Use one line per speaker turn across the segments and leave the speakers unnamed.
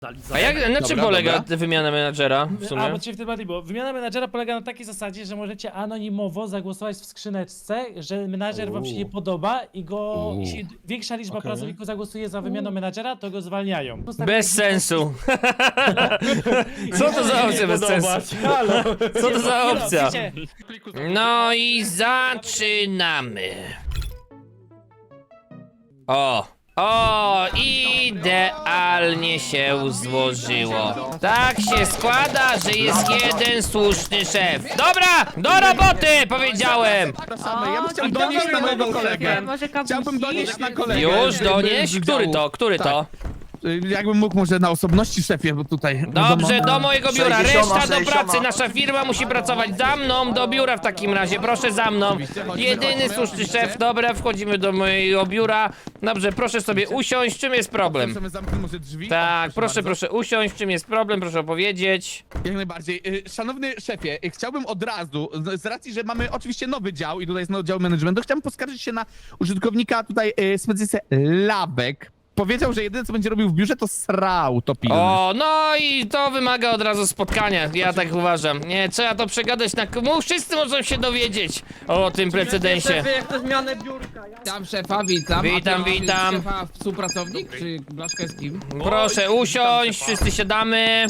A jak, na czym polega wymiana menadżera w
A,
sumie?
bo cię wtedy było. Wymiana menadżera polega na takiej zasadzie, że możecie anonimowo zagłosować w skrzyneczce, że menadżer wam się nie podoba i go, jeśli większa liczba pracowników zagłosuje za wymianą menadżera, to go zwalniają.
Bez sensu. Co to za opcja bez sensu?
Halo!
Co to za opcja?
Wiecie,
No i zaczynamy. O, idealnie się złożyło. Tak się składa, że jest jeden słuszny szef. Dobra, do roboty, powiedziałem.
Ja bym chciał donieść na mojego kolegę. Chciałbym donieść na kolegę.
Już donieś? Który to?
Jakbym mógł może na osobności, szefie, bo tutaj...
Dobrze, do mojego biura,
60,
reszta do
60.
pracy, nasza firma musi pracować za mną, do biura w takim razie, proszę za mną. Jedyny słuszny szef, dobra, wchodzimy do mojego biura. Dobrze, proszę sobie usiąść, czym jest problem?
Możemy zamknąć może drzwi?
Tak, proszę
bardzo.
usiąść, czym jest problem, proszę opowiedzieć.
Jak najbardziej. Szanowny szefie, chciałbym od razu, z racji, że mamy oczywiście nowy dział i tutaj jest nowy dział managementu, chciałbym poskarżyć się na użytkownika tutaj specjalistę Lawek. Powiedział, że jedyne co będzie robił w biurze to srał to pilny.
O, no i to wymaga od razu spotkania, ja tak uważam. Nie, trzeba to przegadać na... Wszyscy muszą się dowiedzieć o tym precedensie.
Jak to zmianę biurka.
Witam szefa, witam.
Witam,
A to
witam.
Szefa współpracownik, czy Blaszka z kim?
Proszę usiąść, wszyscy siadamy.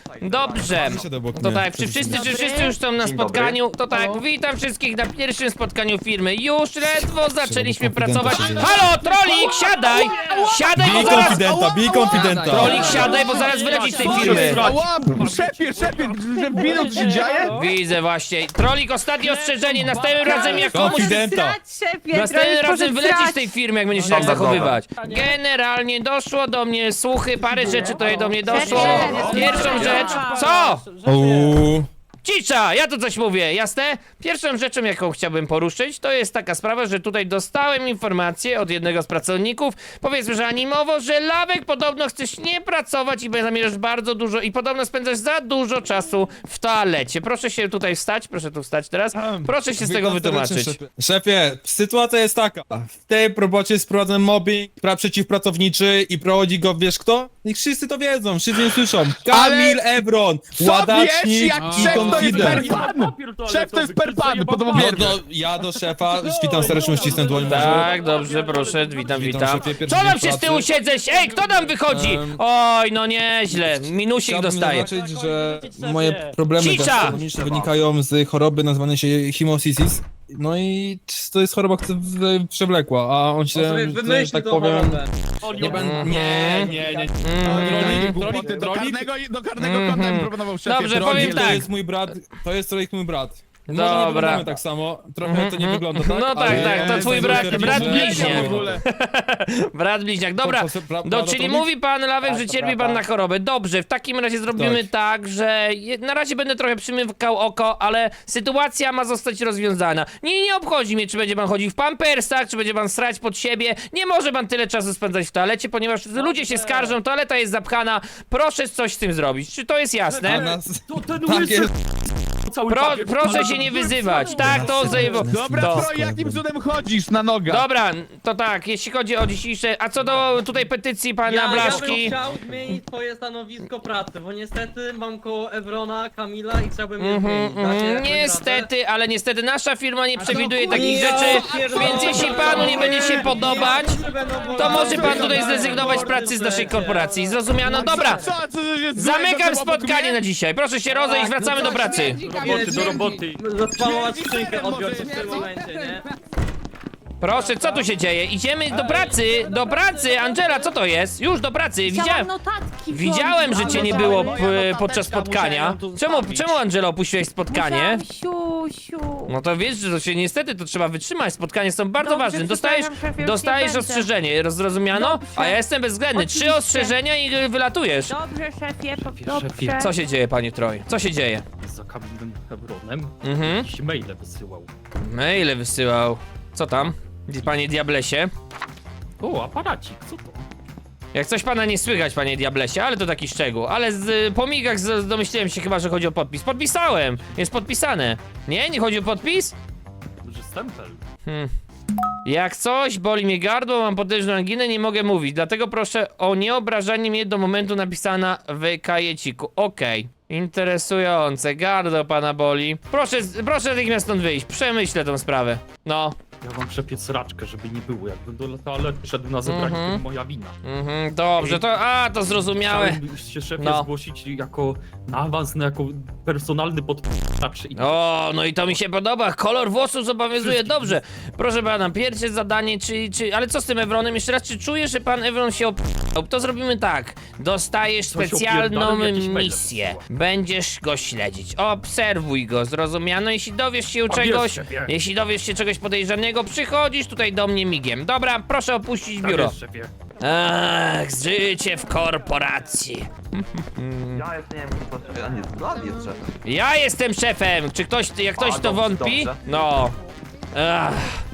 Dobrze, to tak, czy wszyscy już są na spotkaniu? To tak, witam wszystkich na pierwszym spotkaniu firmy. Już ledwo zaczęliśmy pracować. Halo, Trolik, siadaj! Siadaj, bo zaraz...
bij konfidenta.
Trolik, siadaj, bo zaraz wylecisz z tej firmy.
Ała, szefie, że minut się dzieje?
Widzę właśnie. Trolik, ostatnie ostrzeżenie, następnym razem jak komuś...
Konfidenta.
Następnym razem wylecisz z tej firmy, jak będziesz się tak
Dobra,
zachowywać. Generalnie doszło do mnie słuchy, parę rzeczy tutaj do mnie doszło. Pierwszą rzecz... Co?
Uuu.
Cisza! Ja tu coś mówię, jasne? Pierwszą rzeczą, jaką chciałbym poruszyć, to jest taka sprawa, że tutaj dostałem informację od jednego z pracowników, powiedzmy, że animowo, że Lawek podobno chcesz nie pracować i zamierzasz bardzo dużo i podobno spędzasz za dużo czasu w toalecie. Proszę się tutaj wstać, proszę tu wstać teraz. Proszę się z tego wytłumaczyć.
Szefie, sytuacja jest taka. W tej robocie jest prowadzony mobbing przeciwpracowniczy i prowadzi go, wiesz kto? Niech wszyscy to wiedzą, wszyscy słyszą. Kamil Ebron,
Co wiesz,
ładacznik
jak
i
szef to jest
konfident.
perpan? Szef to jest perpan, podobno
No,
wierny.
ja do szefa, witam serdecznie, ścisnę dłoń. może?
Tak, dobrze, proszę, witam.
szefie, pierwszy
Co
dzień
tam się z
pracy.
tyłu siedzeć? Ej, kto tam wychodzi? Oj, no nieźle, minusik
Chciałbym
dostaje.
zaznaczyć, że moje problemy
Cisza!
gastronomiczne wynikają z choroby nazwanej się hemosisis. No i to jest choroba, która przewlekła, a on się, że tak powiem... Nie będę... Nie.
Głupoty, do karnego konta bym proponował szefie.
Dobrze,
Drogi,
powiem
To
tak.
jest mój brat, to jest trochę mój brat. Może
Dobra.
nie wyglądamy tak samo, trochę to nie wygląda tak,
No tak,
ale-
tak, to twój brat
w
bliźniak.
ogóle.
Brat bliźniak, dobra. Czyli mówi pan Lawek, że cierpi pan na chorobę. Dobrze, w takim razie zrobimy tak, że na razie będę trochę przymykał oko, ale sytuacja ma zostać rozwiązana. Nie obchodzi mnie, czy będzie pan chodził w pampersach, czy będzie pan srać pod siebie. Nie może pan tyle czasu spędzać w toalecie, ponieważ ludzie się skarżą, toaleta jest zapchana. Proszę coś z tym zrobić. Czy to jest
A
jasne?
nas...
To ten
Tak jest.
Proszę się nie wyzywać. Tak, to
Dobra,
to.
pro, jakim cudem chodzisz na nogach?
Dobra, to tak, jeśli chodzi o dzisiejsze... A co do tutaj petycji pana
Ja bym
Blaszki...
chciał zmienić twoje stanowisko pracy, bo niestety mam koło Evrona, Kamila i chciałbym je zmienić. Dacie jakąś
Niestety, ale niestety nasza firma nie przewiduje
radę?
takich
Ja
rzeczy,
pierdolę.
więc jeśli panu nie będzie się podobać, to może pan tutaj zrezygnować z pracy z naszej korporacji. Zrozumiano? Dobra,
Co jest
zamykam
złego, obok
spotkanie
mnie?
na dzisiaj. Proszę się rozejść, wracamy do pracy.
Do roboty. Zaspamować skrzynkę, odbiorę w tym momencie, nie?
Proszę, co tu się dzieje? Idziemy do pracy, Angela, co to jest? Już do pracy, widziałem, że cię nie było podczas spotkania. Czemu Angela opuściłeś spotkanie?
Siu.
No to wiesz, że to się niestety to trzeba wytrzymać. Spotkania są bardzo
Dobrze,
ważne.
przepraszam, szefie, już
Dostajesz
nie będę.
ostrzeżenie, zrozumiano?
Dobrze.
A ja jestem bezwzględny. 3
Oczywiście.
ostrzeżenia i wylatujesz.
Dobrze, szefie, dobrze.
Co się dzieje, panie Troj? Co się dzieje?
Za Kamilem Ebronem
Mhm.
jakieś maile wysyłał.
Maile wysyłał. Co tam? Panie Diablesie?
O, aparacik, co to?
Jak coś pana nie słychać, panie Diablesie, ale to taki szczegół. Ale po migach domyśliłem się chyba, że chodzi o podpis. Podpisałem! Jest podpisane. Nie? Nie chodzi o podpis?
Duży stempel.
Jak coś, boli mnie gardło, mam potężną anginę, nie mogę mówić. Dlatego proszę o nieobrażanie mnie do momentu napisana w kajeciku. Okej. Interesujące, gardło pana boli. Proszę natychmiast stąd wyjść, przemyślę tą sprawę. No.
Ja mam przepiec sraczkę, żeby nie było. Jakbym do toalety szedł na zebranie, to moja wina.
Dobrze, to zrozumiałe.
Chciałem się szefie
No.
zgłosić jako na awans, jako personalny podpłacz i
O, no i to mi się podoba. Kolor włosów zobowiązuje. Dobrze. Proszę pana, pierwsze zadanie, ale co z tym Evronem? Jeszcze raz, czy czujesz, że pan Evron się op***ał? To zrobimy tak. Dostajesz
Coś
specjalną
opierdolił, jakiś mail
misję.
wysyła.
Będziesz go śledzić. Obserwuj go, zrozumiano? Jeśli dowiesz się czegoś podejrzanego, przychodzisz tutaj do mnie migiem. Dobra, proszę opuścić biuro.
Tak jest, szefie.
Ach, życie w korporacji.
Ja jeszcze nie wiem, a nie, Vlad jest szefem.
Ja jestem szefem! Czy ktoś, jak ktoś
A,
to
dobrze,
wątpi?
dobrze.
No. Ach.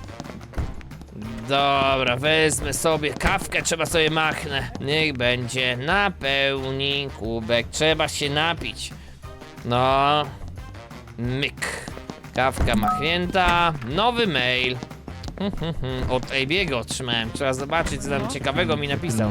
Dobra, wezmę sobie kawkę, trzeba sobie machnę. Niech będzie, napełnij kubek, trzeba się napić. No. Myk. Kawka machnięta, nowy mail. Od AB'ego otrzymałem, trzeba zobaczyć, co tam ciekawego mi napisał.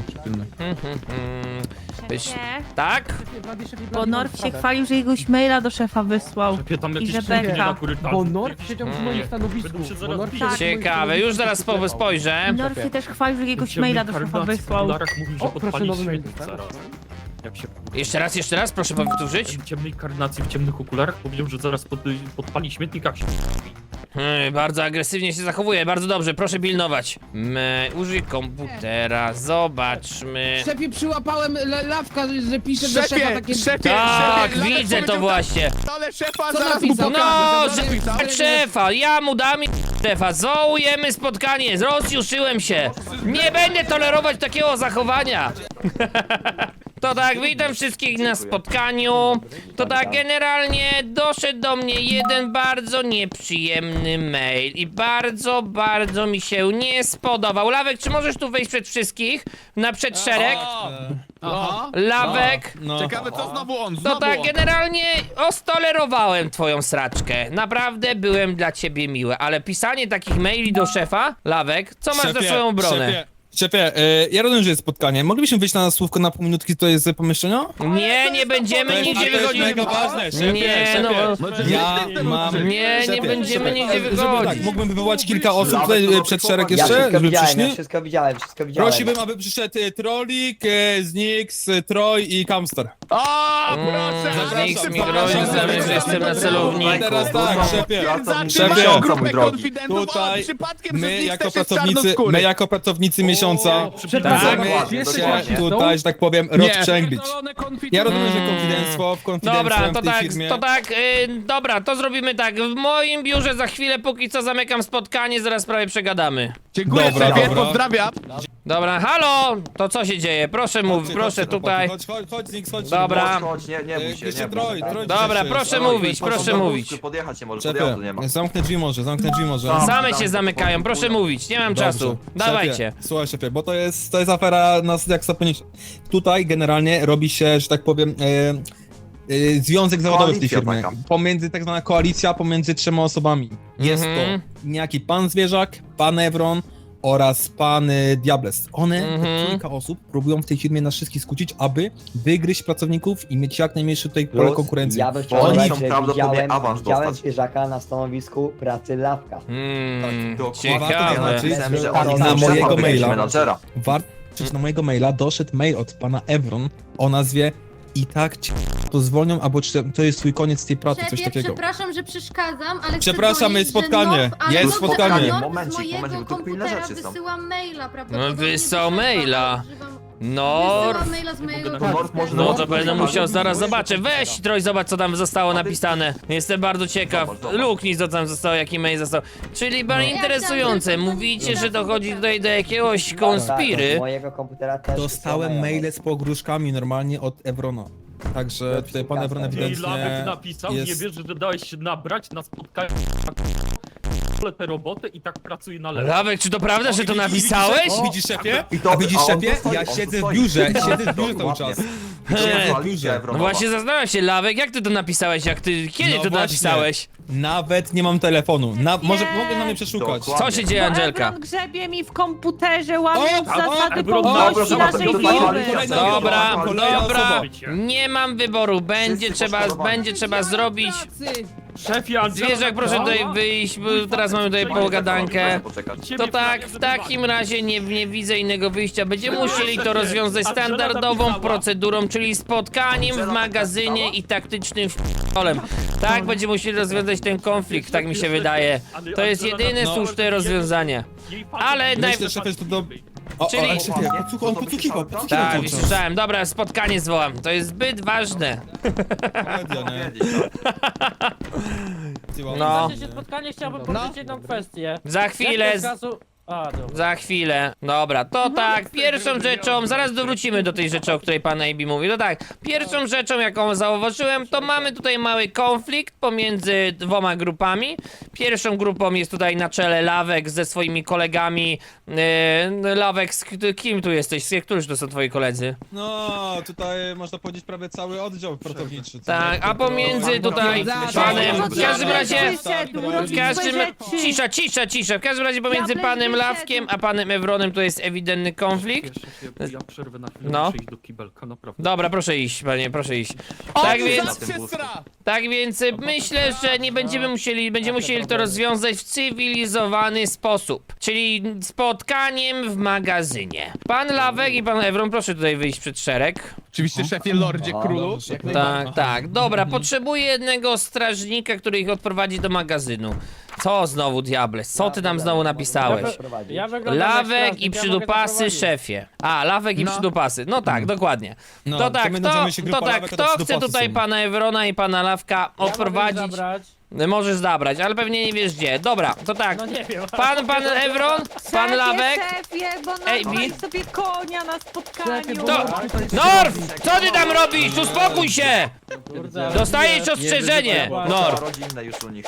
Szefie,
Tak?
bo Norf się chwalił, że jakiegoś maila do szefa wysłał.
Szefie, tam jakieś
że
szczęki
beka.
na korytarzu.
Bo Norf siedział przy moim stanowisku.
Będą się
Bo
zaraz
Norf
bić.
siedział przy moim
Ciekawe, już zaraz
stanowisku.
spojrzę.
Norf się też chwalił, że jakiegoś
Ciemnej
maila do szefa
karnacji w
wysłał.
okularach mówił, że
O, proszę,
podpali
nowy mail
śmietnik
dostałem.
zaraz. Jak się
Jeszcze raz, proszę powtórzyć.
w ciemnej karnacji, w ciemnych okularach powiedział, że zaraz podpali śmietnik, jak się
Bardzo agresywnie się zachowuje, bardzo dobrze, proszę pilnować. Użyj komputera, zobaczmy.
Szefie, przyłapałem lawka, że pisze do szefa
Szefie,
takie...
szefie,
Tak,
szefie, Lawek
widzę to
powiedział
właśnie.
tak, ale szefa
Co
zaraz mu
napisał?
pokażę.
No,
Zabrałem-
tak szefa, ja mu dam i szefa, zołujemy spotkanie, rozjuszyłem się. Nie będę tolerować takiego zachowania. To tak, witam wszystkich na spotkaniu. To tak, generalnie doszedł do mnie jeden bardzo nieprzyjemny mail i bardzo mi się nie spodobał. Lawek, czy możesz tu wejść przed wszystkich? Na przedszereg?
Aha.
Lawek?
No.
Ciekawe, co znowu on,
To
znowu
tak,
on.
generalnie ostolerowałem twoją sraczkę. Naprawdę byłem dla ciebie miły, ale pisanie takich maili do szefa, Lawek, co masz za swoją obronę?
Szefie, ja rozumiem, że jest spotkanie. Moglibyśmy wyjść na słówko na pół minutki tutaj z pomieszczenia?
Nie będziemy nigdzie wychodzić.
mega ważne, szefie,
Nie,
szefie.
no.
Ja mam...
Nie
Szefie,
będziemy
szefie,
nigdzie
żeby
wychodzić.
Tak, mógłbym wywołać kilka osób tutaj przed szereg jeszcze, żeby przyszli.
wszystko widziałem.
Prosiłbym, aby przyszedł Trolik, Znix, Troy i Kamster.
O, proszę,
Zapraszam,
Nikt mi
zapraszam.
grozi, znamy, że jestem na celowniku.
Teraz tak, szefie.
Szefie,
Szefie.
grupę konfidentów,
Tutaj
o, przypadkiem
my
przez
jako
nich też jest
pracownicy,
czarnoskóry.
my jako pracownicy miesiąca
Przepraszam,
chcemy
jesteś
się
rasistą?
tutaj, że tak powiem,
Nie.
rozprzęglić. Ja rozumiem, że konfidenctwo w
Dobra,
w
to
tej
tak,
firmie.
dobra, to zrobimy tak. W moim biurze za chwilę, póki co zamykam spotkanie, zaraz prawie przegadamy.
Dziękuję,
Dobra,
szefie,
dobra.
pozdrawiam.
Dobra, halo! To co się dzieje? Proszę mów,
Chodźcie,
proszę
chodźcie,
tutaj.
Chodź, Znix, chodź.
Dobra.
nie bój się,
Jeszcze
nie bój się.
Troy
Dobra,
dzisiaj
proszę
jest.
mówić, proszę mówić.
Podjechać nie może, podjazdu nie ma.
Szefie, zamknę drzwi może.
Same się zamykają, proszę mówić, nie mam czasu.
Dobrze.
Dawajcie.
Szefie, słuchaj szefie, bo to jest afera nas jak saponić. Tutaj generalnie robi się, że tak powiem, związek zawodowy w tej
Koalicja
firmie.
taka.
Pomiędzy tak zwana koalicja pomiędzy 3 osobami. Jest
Mhm.
to niejaki pan Zwierzak, pan Evron oraz pan Diables. One, te kilka osób, próbują w tej firmie nas wszystkich skłócić, aby wygryźć pracowników i mieć jak najmniejsze tutaj pole konkurencji.
Ja bym
Bo oni
chciał
chcą
dodać, że
prawdopodobnie awans
widziałem
dostać.
zwierzaka na stanowisku pracy Lawka.
Ciekawe.
znaczy,
Myślałem, że
na
oni
mojego
chcą szefa wygrać,
maila.
menadżera.
Warto, na mojego maila doszedł mail od pana Evron o nazwie "I tak cię to zwolnią, albo czy to jest twój koniec tej pracy", coś takiego.
Przepraszam, że przeszkadzam, ale
Przepraszam,
chcę
jest
powiedzieć,
spotkanie.
że ale
Jest
dobrze,
spotkanie.
ale Norf
Momencik,
z mojego
momencik, bo tu pilne
komputera
rzeczy są.
wysyłam maila, prawdopodobnie.
Wysłał
do szefa,
maila.
używam-
Norf.
Wysyłam maila z mojego
Norf może
No
Norf
to będę
może-
musiał, zaraz zobaczę. Weź, Troj, zobacz co tam zostało napisane. Jestem bardzo ciekaw.
Zobacz.
Luknij co tam zostało, jaki mail został. Czyli bardzo
Ja
interesujące.
chciałam tylko
Mówicie, że
powiedzieć,
dochodzi tutaj do jakiegoś
Tak, z
konspiry.
mojego komputera też
Dostałem
wysyłają.
maile z pogróżkami normalnie od Evrona. Także tutaj pan Evron
I
ewidentnie
Lawek napisał, nie
jest...
wiesz, że dałeś się nabrać na spotkanie tę robotę i tak pracuje na lewo.
Lawek, czy to prawda, że to napisałeś?
Widzisz szefie?
I to-
A widzisz
a on
szefie?
dostoi,
Ja
on
siedzę w
dostoi.
biurze, siedzę w biurze cały
Dokładnie.
czas.
To jest
Siedzę w
koalicja
biurze.
Evronowa.
No właśnie zastanawiam się, Lawek, jak ty to napisałeś? Kiedy
No
ty to
właśnie.
napisałeś?
Nawet nie mam telefonu. Może mogę na mnie przeszukać.
Dokładnie.
Co się dzieje, Angelka?
Ebron grzebie mi w komputerze, łamiąc
O,
zasady
Ebron,
powłości
dobra,
naszej
dobra,
firmy.
dobra.
Dobra,
Kolejna
dobra.
osoba.
Nie mam wyboru. Będzie
Wszyscy
trzeba
poszkodowani.
zrobić.
Szefie, Angela,
Zwierzak, proszę tutaj wyjść, bo teraz mamy tutaj pogadankę. To tak, w takim razie nie widzę innego wyjścia. Będziemy musieli to rozwiązać standardową procedurą, czyli spotkaniem w magazynie i taktycznym f***olem. Tak, będziemy musieli rozwiązać ten konflikt, tak mi się wydaje. To jest jedyne słuszne rozwiązanie. Ale
Myślę, szefie, że to do... O,
Czyli-
ale szefie, on podsłuchiwał
Tak,
cały czas.
słyszałem. Dobra, spotkanie zwołam. To jest zbyt ważne.
Komedia, nie?
No,
W czasie spotkania chciałbym powiedzieć jedną kwestię.
za chwilę.
Jak to z czasu... A, dobra.
Za chwilę. Dobra, to tak, pierwszą rzeczą, zaraz dowrócimy do tej rzeczy, o której pan AB mówił. To tak, pierwszą rzeczą, jaką zauważyłem, to mamy tutaj mały konflikt pomiędzy dwoma grupami. Pierwszą grupą jest tutaj na czele Lawek ze swoimi kolegami. Lawek, z kim tu jesteś? Którzy to są twoi koledzy?
No, tutaj można powiedzieć prawie cały oddział pracowniczy. co
Tak,
nie?
a pomiędzy tutaj panem, w każdym razie... W każdym... Cisza. W każdym razie pomiędzy panem Lawkiem a panem Evronem to jest ewidentny konflikt.
Ja przerwę na chwilę,
No.
muszę iść do kibelka, naprawdę.
Dobra, proszę iść, panie, proszę iść.
O,
Tak
ty
więc,
zaraz się sra!
tak więc myślę, że nie będziemy musieli to rozwiązać w cywilizowany sposób. Czyli spotkaniem w magazynie. Pan Lawek i pan Evron, proszę tutaj wyjść przed szereg.
Oczywiście szefie Lordzie Królu. Jak najbardziej.
Tak, tak. Dobra, potrzebuję jednego strażnika, który ich odprowadzi do magazynu. Co znowu, Diables? Co ty nam znowu napisałeś?
Ja wyglądam jak
Lawek
strażnik,
i
ja mogę
przydupasy,
zaprowadzić.
szefie. A, lawek i
No.
przydupasy. No tak, dokładnie.
No,
To
to
tak,
my nazywamy się grupa Lawek, a to
kto chce
przydupasy
tutaj
są.
pana Evrona i pana Lawka
Ja mogę
odprowadzić?
zabrać.
Możesz zabrać, ale pewnie nie wiesz gdzie. Dobra, to tak.
No nie wiem.
Pan Evron, pan Lawek.
Szefie, bo
Ej,
nazwałeś
Bi.
sobie konia na spotkaniu.
To... Norf! Co ty tam robisz? Uspokój się!
Kurde.
Dostajesz ostrzeżenie, Norf.
Rodzinne już u nich.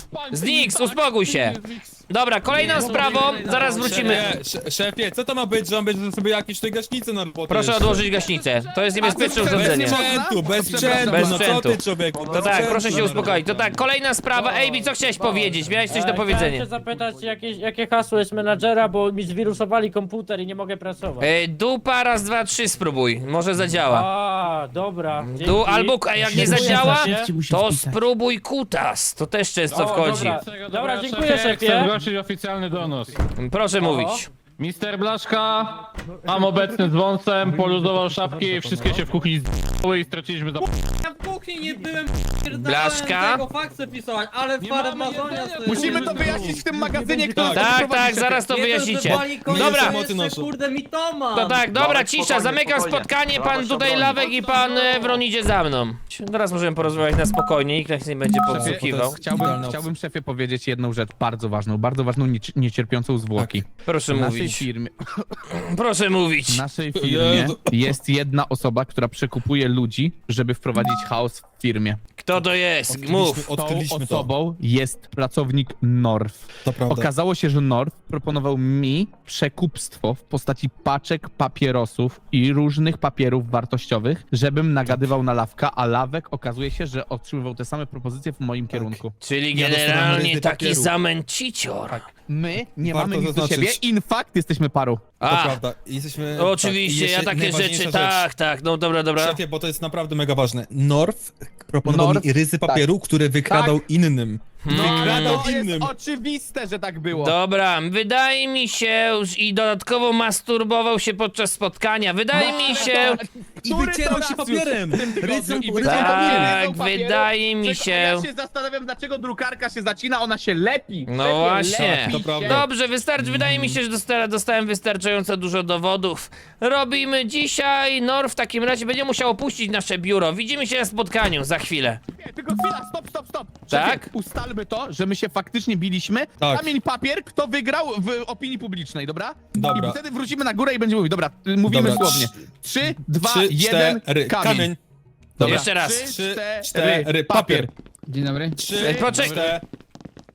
Znix, uspokój się. Dobra, kolejną sprawą, zaraz wrócimy.
Szefie, co to ma być, że on będzie sobie jakieś tutaj gaśnice na robotę
Proszę
jeszcze?
odłożyć gaśnicę. To jest niebezpieczne
A co,
urządzenie.
bez
Sprzętu, bez
Bez
sprzętu, no co
sprzętu.
ty, człowieku?
To tak, proszę się uspokoić. To tak, kolejna sprawa. Ejbi, co chciałeś powiedzieć? Miałeś coś do
Chciałem
powiedzenia.
cię zapytać, jakie hasło jest menadżera, bo mi zwirusowali komputer i nie mogę pracować.
Dupa, raz, dwa, trzy spróbuj. Może zadziała.
A, dobra. dzięki.
Albo, a jak nie
Dziękuję,
zadziała,
szefie.
to spróbuj kutas. To też często
O,
wchodzi.
Dobra, dziękuję szefie.
zgłosić oficjalny donos.
Proszę mówić.
Mister Blaszka, mam obecny z wąsem, poluzował szapki i wszystkie się w kuchni z***ły i straciliśmy za...
Ja w kuchni nie byłem,
Blaszka?
tego faksy pisać, ale farmazonia stoi.
Musimy to wyjaśnić w tym magazynie, kto
Tak, zaraz to wyjaśnicie. Dobra.
Kurde, mitoma.
To tak, dobra,
Lawek,
cisza,
spokojnie,
zamykam
spokojnie.
spotkanie,
Brawa
pan
się
tutaj
obroni.
Lawek i pan Evron idzie za mną. Teraz możemy porozmawiać na spokojnie, nikt nas nie będzie podsłuchiwał.
Chciałbym szefie powiedzieć jedną rzecz bardzo ważną, niecierpiącą zwłoki.
Proszę
W naszej
mówić.
firmie,
Proszę mówić.
w naszej firmie jest jedna osoba, która przekupuje ludzi, żeby wprowadzić chaos w firmie.
Kto to jest? Mów.
Tą
Odkryliśmy to.
osobą jest pracownik North.
To prawda.
Okazało się, że North proponował mi przekupstwo w postaci paczek papierosów i różnych papierów wartościowych, żebym nagadywał na Lawka, a Lawek okazuje się, że otrzymywał te same propozycje w moim kierunku.
Czyli
Ja dostałem
generalnie
ryzy
taki
papieru.
zamęcicior.
My nie
Warto
mamy nic do
zaznaczyć.
siebie, in fact jesteśmy parą.
To
A,
prawda. Jesteśmy...
oczywiście,
tak, i
ja
jeszcze
takie
najważniejsza
rzeczy,
rzecz.
tak, no dobra.
Szefie, bo to jest naprawdę mega ważne. North proponował
North,
mi ryzy papieru, które wykradał innym. Wykradał
To jest
innym.
oczywiste, że tak było.
Dobra, wydaje mi się, i dodatkowo masturbował się podczas spotkania. Wydaje mi się,
I wycierał się papierem. Rysem
tak, wydaje mi się.
Ja się zastanawiam, dlaczego drukarka się zacina, ona się lepi.
No
Szefie,
właśnie.
lepi
To
się.
prawda.
Dobrze, wydaje mi się, że dostałem wystarczająco dużo dowodów. Robimy dzisiaj. Norf w takim razie będzie musiał opuścić nasze biuro. Widzimy się na spotkaniu za chwilę.
Nie, tylko chwila, stop.
Tak?
Szefie, ustalmy to, że my się faktycznie biliśmy.
Tak.
Kamień papier, kto wygrał w opinii publicznej, dobra?
Dobra.
I wtedy wrócimy na górę i będziemy mówić. Dobra, mówimy
Dobra.
słownie. 3, 2,
3,
1,
4,
kamień.
Dobra.
Jeszcze raz.
3,
3,
4,
4, papier.
Dzień dobry.
3,
Poczekaj.
4,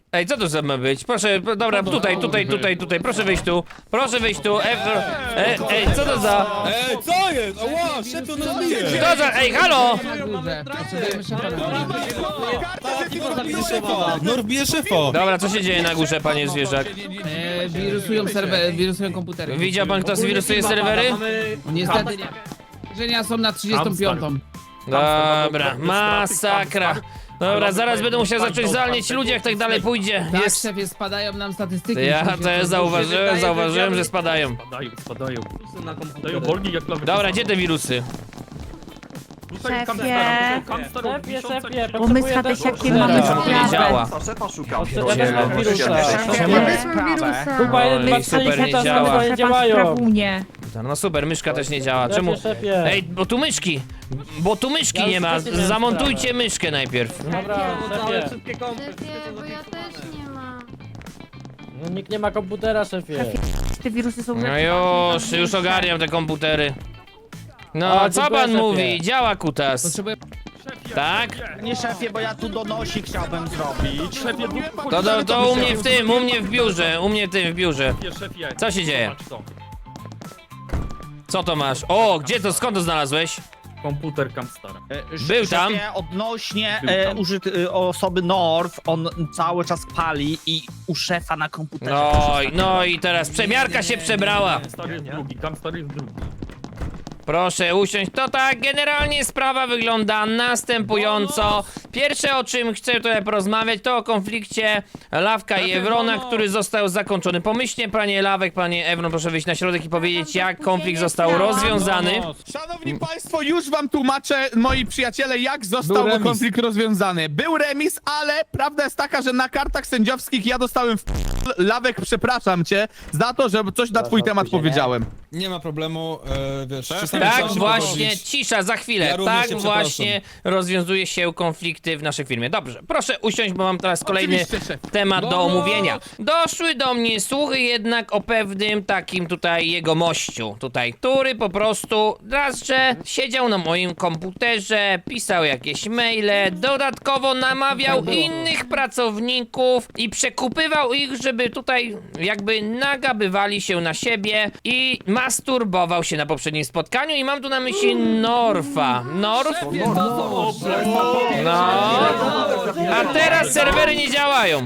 Ej, co to za ma być? Proszę, dobra, tutaj, proszę wyjść tu. Proszę wyjść tu, ej, co to za...
Co jest? Ała, szefie, on nas bije!
Co za... Ej, halo!
Na górze. Potrzebujemy szefa na górze.
Norf bije szefa!
Dobra, co się dzieje na górze, panie zwierzak?
Wirusują serwery, wirusują komputery.
Widział pan, kto zwirusuje serwery?
Niestety nie. Żenia są na 35.
Dobra, masakra. Dobra, zaraz będę musiał zacząć zwalniać ludzi, jak tak dalej pójdzie.
Tak,
Jest...
szefie, spadają nam statystyki.
Ja
Musimy
to
się
zauważyłem, że spadają.
Spadają.
Na komputerze.
Dają wolni jak lawy.
Dobra, gdzie te wirusy?
Tutaj
Szefie.
Szefie,
Bo my z Hadesiakiem mamy
To nie
sprawę.
działa.
A szefa szukam.
Ja wezmę wirusa.
Ja wezmę wirusa.
Chyba
Oj,
jeden
super, nie
szefa
działa.
nie działają.
Sprawunie.
No super, myszka też nie działa. Czemu?
Szefie.
Ej, bo tu myszki nie ma. Zamontujcie myszkę najpierw.
Dobra,
No, całe
szefie.
wszystkie kompy.
Szefie, bo ja też nie mam.
No, nikt nie ma komputera, szefie.
Te wirusy są...
No już ogarniam te komputery. No,
A,
co
dziękuję,
pan
szefie.
mówi? Działa kutas.
Potrzebuję...
Tak?
Nie szefie, bo ja tu donosik chciałbym zrobić.
To u mnie w tym, u mnie w biurze, w biurze.
Szefie,
Co się dzieje?
zobacz to.
Co to masz? O, gdzie to, skąd to znalazłeś?
Komputer Camstara.
Był tam.
Odnośnie
Był tam.
osoby Norf, on cały czas pali i u szefa na komputerze.
No i teraz przemiarka się przebrała.
Camstar jest drugi, Camstar jest drugi.
Proszę usiąść. To tak, generalnie sprawa wygląda następująco. Pierwsze, o czym chcę tutaj porozmawiać, to o konflikcie Lawka i Ewrona, który został zakończony. Pomyślnie, panie Lawek, panie Ewron, proszę wyjść na środek i powiedzieć, jak konflikt został rozwiązany.
Szanowni Państwo, już wam tłumaczę, moi przyjaciele, jak został
remis.
konflikt rozwiązany. Był remis, ale prawda jest taka, że na kartach sędziowskich ja dostałem Lawek, przepraszam cię, za to, że coś na twój temat powiedziałem.
Nie ma problemu, wiesz, czasami
Tak
trzeba się
właśnie,
pogodzić.
cisza, za chwilę.
Ja również
Tak
się
właśnie rozwiązuje się konflikty w naszej firmie. Dobrze, proszę usiąść, bo mam teraz kolejny
Oczywiście, szef.
temat do omówienia. Doszły do mnie słuchy jednak o pewnym takim tutaj jegomościu tutaj, który po prostu raz, że siedział na moim komputerze, pisał jakieś maile, dodatkowo namawiał innych pracowników i przekupywał ich, żeby tutaj jakby nagabywali się na siebie i masturbował się na poprzednim spotkaniu i mam tu na myśli Norfa. Norf? No. A teraz serwery nie działają.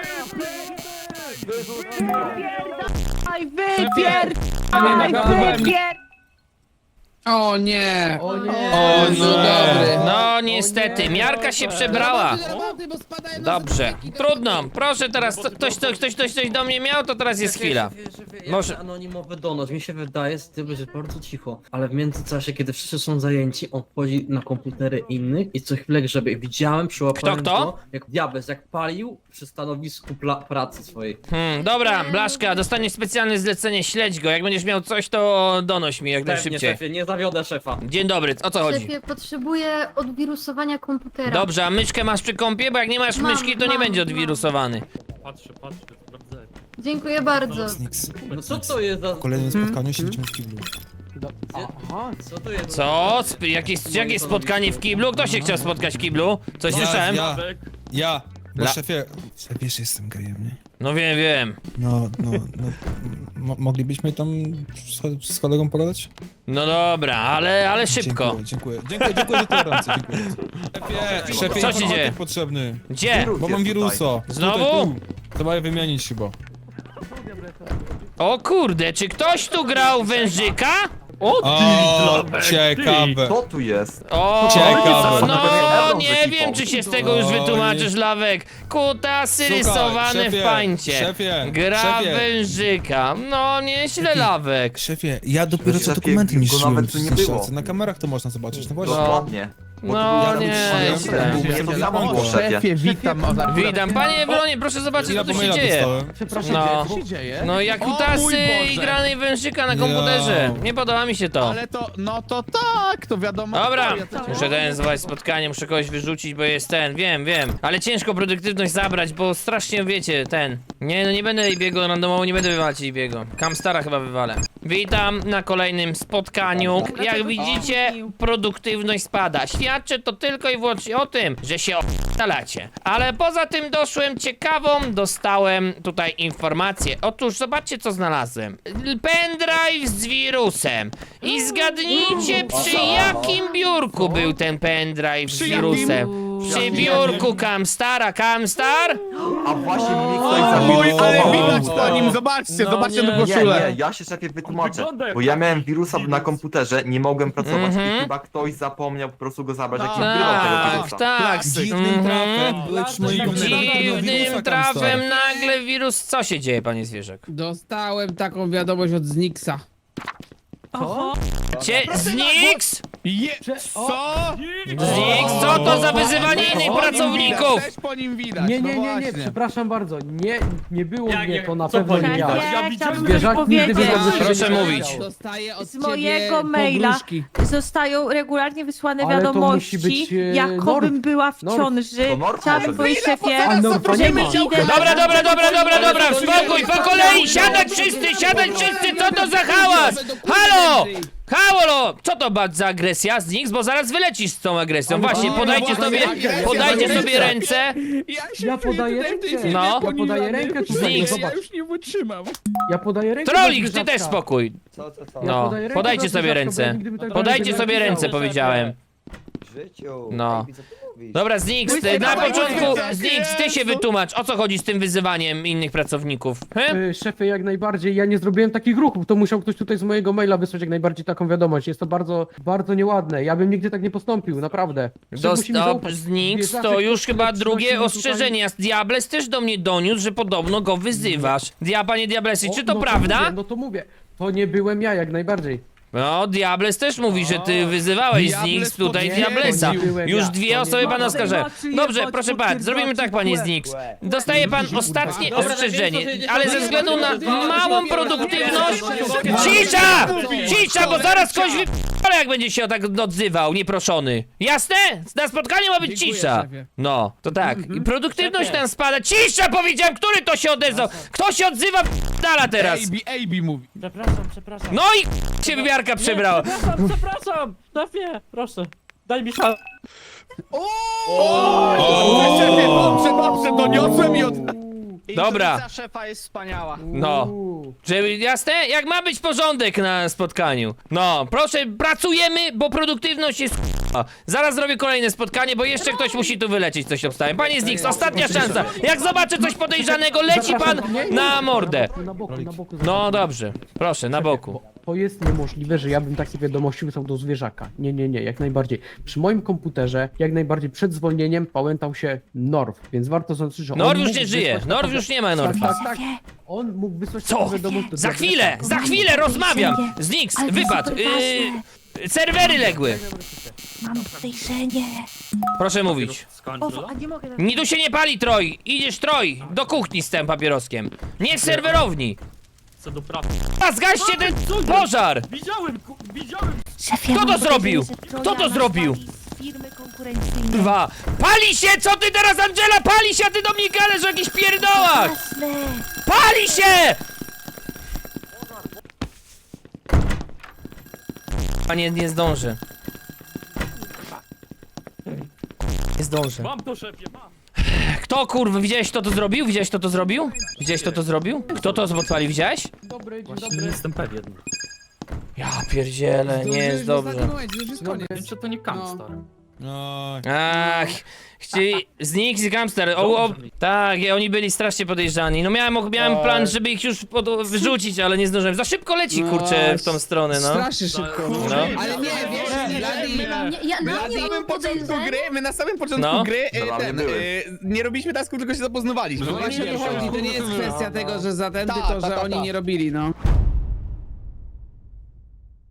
Aj, wypier...
O nie!
O nie.
O
No
nie.
dobry.
No niestety, miarka się przebrała.
Roboty, bo spadają nam
Dobrze,
statystyki.
trudno. Proszę teraz, ktoś coś do mnie miał, to teraz jest chwila. Może-
Może anonimowy donos, mi się wydaje, z tym, że bardzo cicho, ale w międzyczasie, kiedy wszyscy są zajęci, on wchodzi na komputery innych i co chwilę grzebie. Widziałem, przyłapałem
Kto?
go, jak diabeł, jak palił przy stanowisku pracy swojej.
Dobra, Blaszka, dostaniesz specjalne zlecenie, śledź go. Jak będziesz miał coś, to donoś mi jak
Pewnie,
najszybciej.
szefie, nie zawiodę szefa.
Dzień dobry, o co chodzi?
Szefie, potrzebuję odwirusowania komputera.
Dobrze, a myszkę masz przy kompie? Bo jak nie masz
Mam,
myszki, to nie
mam,
będzie
mam.
odwirusowany.
Patrzę, sprawdzę.
Dziękuję bardzo.
Nix.
No co to jest za...
W kolejnym spotkaniu się widzimy w kiblu.
Co to jest?
Co? Jakie spotkanie w kiblu? Kto się chciał spotkać w kiblu? Coś słyszałem?
Ja. Bo
La-
szefie, wiesz, jestem gejem, nie?
No wiem.
No. Moglibyśmy tam z kolegą pogadać?
No dobra, ale szybko.
Dziękuję za tolerancję, dziękuję. Szefie,
Co się dzieje?
informatyk potrzebny.
Gdzie?
Bo mam wirusa.
Znowu?
Tutaj, tu. Trzeba je wymienić chyba.
O kurde, czy ktoś tu grał wężyka?
O, ciekawe.
Co tu jest?
O,
Ciekawe.
no nie wiem, czy się z tego już wytłumaczysz, Lawek. Kutasy
Słuchaj,
rysowane
szefie,
w pańcie.
szefie,
Gra
szefie.
wężyka. No nieźle, Lawek.
Szefie, ja dopiero co
Szefie,
dokumenty
go
niszczyłem
nawet
w
tu nie
sensie,
było.
na kamerach to można zobaczyć, no właśnie.
Dokładnie. Bo to
No
było-
nie,
Ja
źle.
mówię, to samo było, szefie.
witam.
Witam, panie Ewronie, proszę zobaczyć,
Ja
co tu
po
się
maila
dzieje.
dostałem.
No.
Co się dzieje?
No jak
O mój
kutasy i
Boże.
granej wężyka na komputerze.
Ja.
Nie podoba mi się to.
Ale to, no to tak, to wiadomo.
Dobra,
Ja to-
muszę ten zwołać spotkanie, muszę kogoś wyrzucić, bo jest ten, wiem. Ale ciężko produktywność zabrać, bo strasznie wiecie, ten. Nie, no nie będę biegł randomowo, nie będę wywalać biegu. Camstara chyba wywalę. Witam na kolejnym spotkaniu. Jak widzicie, produktywność spada. Świadczy to tylko i wyłącznie o tym, że się o***alacie. Ale poza tym dostałem tutaj informację. Otóż zobaczcie, co znalazłem. Pendrive z wirusem. I zgadnijcie, przy jakim biurku był ten pendrive z wirusem. Przy biurku Kamstara. Kamstar?
A właśnie mnie ktoś
Oj, ale
zawirusował.
widać po nim, zobaczcie, zobaczcie na
Nie,
koszulę.
nie, ja się szefie wytłumaczę,
Wygląda jak
bo ja miałem wirusa na komputerze, nie mogłem pracować i chyba ktoś zapomniał po prostu go zabrać, jak nie wgrywał tego
Tak,
wirusa.
tak.
Dziwnym trafem byłeś przy moim
Dziwnym trafem nagle wirus... Co się dzieje, panie zwierzak?
Dostałem taką wiadomość od Znixa.
Znix?
Co?
Znix? Co to za wyzywanie innych pracowników?
Też po nim widać,
Nie,
no
nie, nie, nie,
właśnie.
przepraszam bardzo. Nie było
Jak-
mnie, to na
co
pewno nie
powiedział?
ja.
Ja
Szefie,
widziałem
chciałabym coś
Zwierzak nigdy by
powiedzieć.
tego
Proszę
nie
mówić.
powiedział.
Dostaję od
Z
ciebie
mojego maila
pogróżki.
zostają regularnie wysłane
Ale to
wiadomości,
musi być,
jakobym
Norf.
była w
Norf.
ciąży.
To Norf
Chciałabym
może
powiedzieć
być.
szefie,
A Norfa nie ma.
że idę na...
Dobra, spokój, po kolei, siadać wszyscy, co to za hałas? Halo! Halo! Co to za agresja z nich? Bo zaraz wylecisz z tą agresją. Właśnie, podajcie sobie ręce.
Ja podaję rękę.
No.
Ja podaję rękę tutaj,
Znix.
zobacz.
Ja już nie wytrzymam.
Ja podaję rękę.
Trolik,
dla
ty też
zwierzaczka.
spokój.
Ja
No,
podaję rękę
podajcie
dla
sobie
zwierzaczka,
ręce.
bo nigdy by tak
Podajcie
nie
sobie ręce,
napisał.
powiedziałem.
W życiu.
No.
Ej, co ty mówisz?
Dobra, Znix, na początku, Znix, ty się wytłumacz, o co chodzi z tym wyzywaniem innych pracowników?
Szefie, jak najbardziej. Ja nie zrobiłem takich ruchów. To musiał ktoś tutaj z mojego maila wysłać jak najbardziej taką wiadomość. Jest to bardzo, bardzo nieładne. Ja bym nigdy tak nie postąpił, naprawdę. Szef musi mi zaufać.
Znix, to
Zwierzaczek,
już chyba
który
drugie
przynosi mi
ostrzeżenie. Diables też do mnie doniósł, że podobno go wyzywasz. Panie Diablesy, czy to
no
prawda?
Mówię, no to mówię. To nie byłem ja, jak najbardziej.
No, Diables też mówi, że ty wyzywałeś
Diables
Znix tutaj
potwierdzi.
Diablesa.
To nie byłem
Już
ja,
dwie
to nie
osoby
byłem
pana
ja.
oskarżają. Dobrze, proszę pan, zrobimy tak, panie Znix. Dostaje pan ostatnie ostrzeżenie, ale ze względu na małą produktywność... Cisza, bo zaraz ktoś ale jak będzie się tak odzywał, nieproszony. Jasne? Na spotkaniu ma być
Dziękuję,
cisza.
szefie.
No, to tak. I produktywność tam spada. Cisza, powiedziałem, który to się odezwał? Kto się odzywa dala teraz?
AB mówi.
Przepraszam.
No i się wymiarka przebrała.
Przepraszam, szefie, proszę. Daj mi szansę.
Szefie, dobrze, doniosłem i od...
Dobra.
szefa jest wspaniała.
No. Żeby jasne? Jak ma być porządek na spotkaniu. No, proszę, pracujemy, bo produktywność jest Zaraz zrobię kolejne spotkanie, bo jeszcze ktoś musi tu wylecieć, coś obstałem. Panie Znix, ostatnia szansa. Jak zobaczę coś podejrzanego, leci pan na mordę.
Na boku.
No dobrze, proszę, na boku.
To jest niemożliwe, że ja bym takie wiadomości wysłał do zwierzaka. Nie, jak najbardziej. Przy moim komputerze, jak najbardziej przed zwolnieniem pałętał się Norf, więc warto zaznaczyć, że on
Norw już
mógł
nie żyje,
wysłać
Norw
taką-
już nie ma Norfa.
Tak. On mógł wysłać
Co?
taką wiadomość do
Za
zwierzaka.
chwilę rozmawiam. Znix,
Ale
wypad.
super ważne.
Serwery legły.
Mam podejrzenie.
Proszę mówić.
A nie mogę...
Nie tu się nie pali, Troj. Idziesz, Troj, do kuchni z tym papieroskiem. Nie w serwerowni.
Co do pracy.
A zgaście ten pożar.
Widziałem, widziałem!
Szefie,
Kto
mam
to zrobił?
podejrzenie, że
Kto to
Trojan
zrobił?
nas wali z firmy konkurencyjnej.
Dwa. Pali się! Co ty teraz, Angela? Pali się, a ty do mnie gadasz o jakichś pierdołach!
Jasne.
Pali się! Panie, nie zdążę. Nie zdążę.
Mam to, szefie, mam!
Kto, kurwa, widziałeś kto to zrobił? Widziałeś kto to zrobił? Widziałeś kto to zrobił? Kto to podpalił, widziałeś?
Dobry, dzień
Właśnie
dobry.
nie jestem pewien.
Ja pierdzielę, nie jest dobrze.
Wiem, czy to nie Kamstar.
No,
Ach, Znix i Gamster, tak, oni byli strasznie podejrzani. No miałem plan, żeby ich już wyrzucić, ale nie zdążyłem. Za szybko leci, kurczę, w tą stronę, no.
Strasznie szybko.
No.
Ale nie, wiesz,
Ja
Na samym początku
No.
gry
Zabawne były.
nie robiliśmy tasku, tylko się zapoznawaliśmy.
Właśnie o to chodzi, to nie jest kwestia tego, że za ten,
Tak,
tylko że
tak,
oni
tak.
nie robili, no.